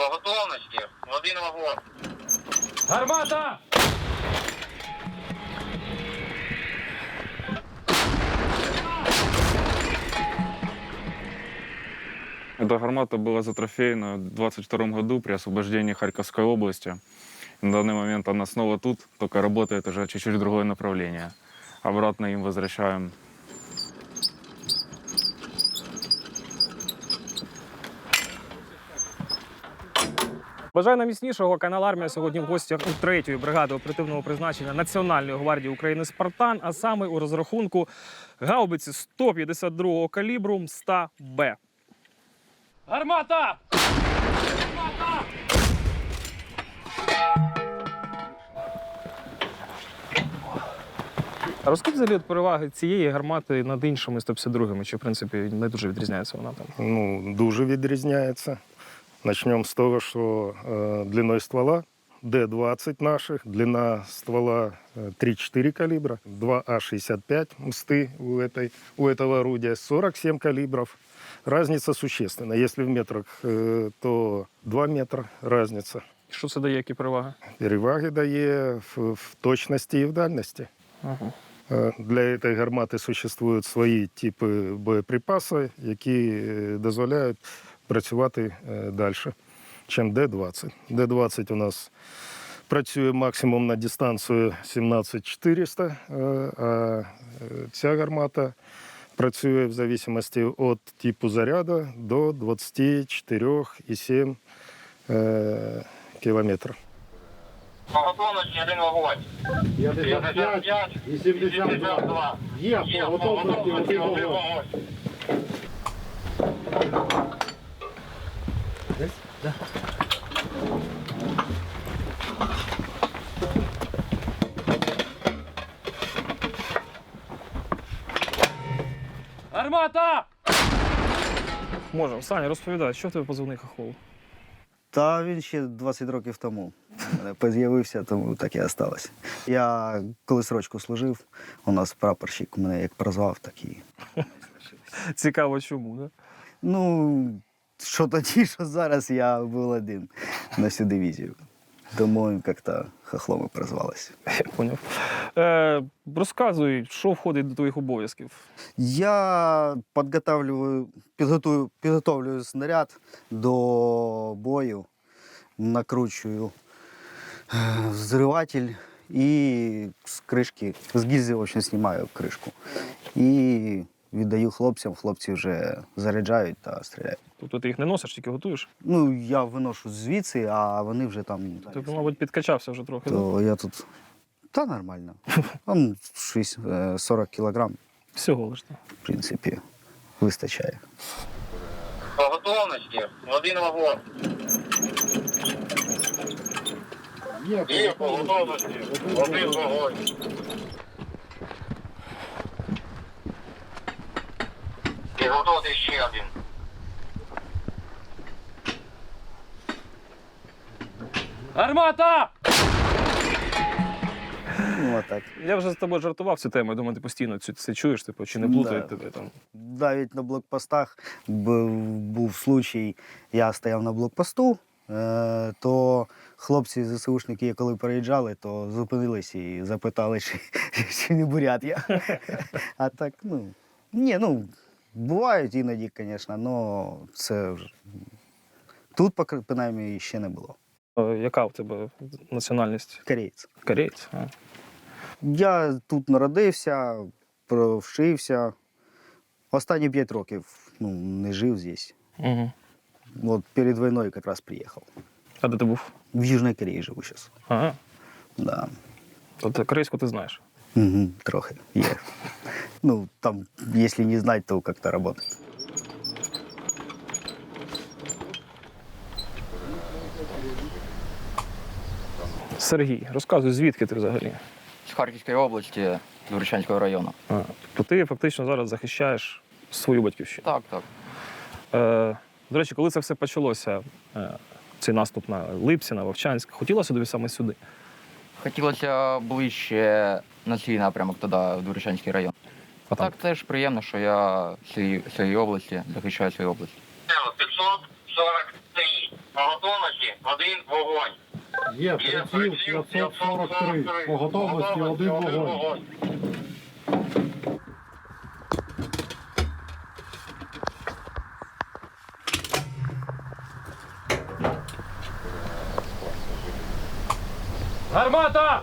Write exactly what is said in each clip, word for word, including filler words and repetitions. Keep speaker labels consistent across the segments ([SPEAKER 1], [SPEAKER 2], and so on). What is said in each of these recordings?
[SPEAKER 1] готовності. Один вагон.
[SPEAKER 2] Гармата!
[SPEAKER 3] Эта гармата была затрофеена в двадцать втором году при освобождении Харьковской области. На данный момент она снова тут, только работает уже чуть-чуть в другое направление. Обратно им возвращаем.
[SPEAKER 2] Бажаю нам міцнішого. Канал «Армія» сьогодні в гостях у третьої бригади оперативного призначення Національної гвардії України «Спартан», а саме у розрахунку гаубиці сто п'ятдесят другого калібру М сто Б. Гармата! Гармата! А розкажіть взагалі от переваги цієї гармати над іншими сто п'ятдесят другими, чи в принципі не дуже відрізняється вона там?
[SPEAKER 4] Ну, дуже відрізняється. Начнем с того, что э, длиной ствола Д двадцать наших, длина ствола э, три-четыре калибра, два А шестьдесят пять мсты у, этой, у этого орудия, сорок семь калибров. Разница существенна. Если в метрах, э, то два метра разница.
[SPEAKER 2] Що це дає, які переваги?
[SPEAKER 4] Переваги дає в, в точности и в дальности.
[SPEAKER 2] Ага.
[SPEAKER 4] Э, Для этой гармати существують свої типи боєприпасу, які е, дозволяють працювати далі, ніж Д двадцять. Д двадцять у нас працює максимум на дистанцію сімнадцять чотириста, а ця гармата працює в залежності від типу заряду до двадцять чотири цілих сім кілометрів.
[SPEAKER 1] По готовності один вагон.
[SPEAKER 5] п'ятдесят п'ять і сімдесят два. Є, по готовності один вагон.
[SPEAKER 2] Гармата! Можемо. Саня, розповідай, що в тебе позивний хохол?
[SPEAKER 6] Та він ще двадцять років тому з'явився, тому так і осталось. Я коли срочку служив, у нас прапорщик мене як прозвав, так і...
[SPEAKER 2] Цікаво, чому, да?
[SPEAKER 6] Ну, що тоді, що зараз я був один на всю дивізію. Тому як-то хохлом і прозвалося.
[SPEAKER 2] Я поняв. Е, розказуй, що входить до твоїх обов'язків?
[SPEAKER 6] Я підготовлюю, підготую, підготовлюю снаряд до бою, накручую е, взриватель і з кришки, з гільзи, в общем, знімаю кришку. І віддаю хлопцям, хлопці вже заряджають та стріляють.
[SPEAKER 2] Тобто ти їх не носиш, тільки готуєш?
[SPEAKER 6] Ну, я виношу звідси, а вони вже там...
[SPEAKER 2] Ти, мабуть, підкачався вже трохи,
[SPEAKER 6] То
[SPEAKER 2] да?
[SPEAKER 6] я тут... Та нормально. Там шість, сорок кілограм,
[SPEAKER 2] Всього лиш. Да.
[SPEAKER 6] в принципі, вистачає.
[SPEAKER 1] По готовності. Один вагон. Є, по готовності. Один вагон. Підготовити ще один.
[SPEAKER 2] Гармата!
[SPEAKER 6] Ну, отак.
[SPEAKER 2] Я вже з тобою жартував цю тему, я думаю, ти постійно цю це чуєш, типу, чи не плутають
[SPEAKER 6] Да.
[SPEAKER 2] тебе там.
[SPEAKER 6] Навіть на блокпостах був, був случай, я стояв на блокпосту, е, то хлопці ЗСУшники, коли переїжджали, то зупинились і запитали, чи, чи не бурят я. А так, ну, ні, ну, бувають іноді, звісно, але це вже... Тут, поки- принаймні, ще не було.
[SPEAKER 2] Е, Яка в тебе національність?
[SPEAKER 6] Кореєць.
[SPEAKER 2] Кореєць? А.
[SPEAKER 6] Я тут народився, провчився. Останні п'ять років ну, не жив здесь.
[SPEAKER 2] Угу.
[SPEAKER 6] Вот перед войной как раз приехал.
[SPEAKER 2] А де ти був?
[SPEAKER 6] В Южной Корее живу сейчас.
[SPEAKER 2] Ага.
[SPEAKER 6] Да.
[SPEAKER 2] Тобто корейську ти знаєш?
[SPEAKER 6] Угу, трохи. Є. Ну, там, если не знать, то как-то работает.
[SPEAKER 2] Сергій, розказуй, звідки ти взагалі?
[SPEAKER 7] З Харківської області, Дворічанського району.
[SPEAKER 2] А, тобто ти фактично зараз захищаєш свою батьківщину.
[SPEAKER 7] Так, так.
[SPEAKER 2] Е, до речі, коли це все почалося, е, цей наступ на Липці, на Вовчанськ, хотілося тобі саме сюди?
[SPEAKER 7] Хотілося ближче на свій напрямок туди, в Дворічанський район.
[SPEAKER 2] А
[SPEAKER 7] Так теж приємно, що я з цієї, з цієї області захищаю свою область.
[SPEAKER 1] п'ятсот сорок три. По готовності один вогонь.
[SPEAKER 5] Є приціл п'ятсот сорок три. По готовності один вогонь.
[SPEAKER 2] Гармата!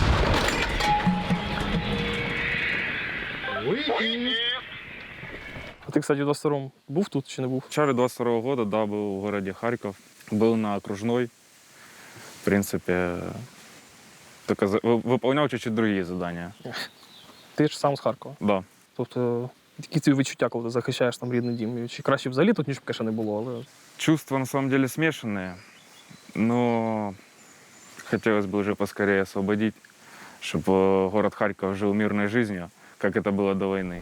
[SPEAKER 5] Вихід.
[SPEAKER 2] А ти, кстати, у двадцять другому був тут чи не був?
[SPEAKER 3] В начале двадцать второго года, да, был в городе Харьков, был на окружной. В принципе, только за- вы- выполнял чуть-чуть другие задания.
[SPEAKER 2] Ти ж сам з Харкова.
[SPEAKER 3] Да.
[SPEAKER 2] Тобто, які ці відчуття, коли ти захищаєш там рідний дім? Чи краще взагалі тут, ніж б, конечно, не було, але
[SPEAKER 3] Чувства на самом деле смешанные, но хотелось бы уже поскорее освободить, чтобы город Харьков жил мирной жизнью, как это было до войны.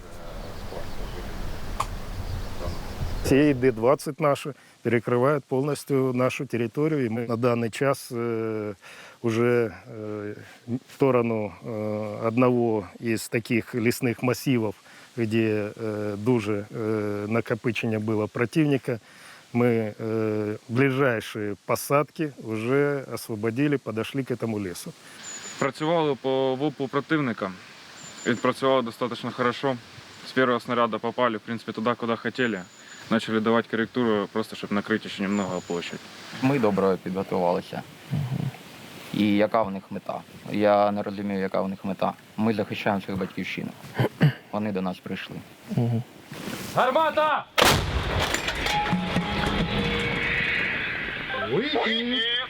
[SPEAKER 4] Ці Д двадцять наші перекривають повністю нашу територію. І ми на даний час е, вже е, в сторону е, одного із таких лісних масивів, де е, дуже е, накопичення було противника, ми е, ближайші посадки вже освободили, підійшли к цьому лісу.
[SPEAKER 3] Працювали по ВУПу противника. Відпрацювали достаточно хорошо. С первого снаряда попали, в принципе, туда, куда хотели. Начали давать корректуру, просто чтобы накрыть еще немного площадь.
[SPEAKER 7] Ми добре підготувалися. І яка в них мета? Я не розумію, яка в них мета. Ми захищаємо свою батьківщину. Вони до нас прийшли.
[SPEAKER 2] гармата!
[SPEAKER 5] Вихід.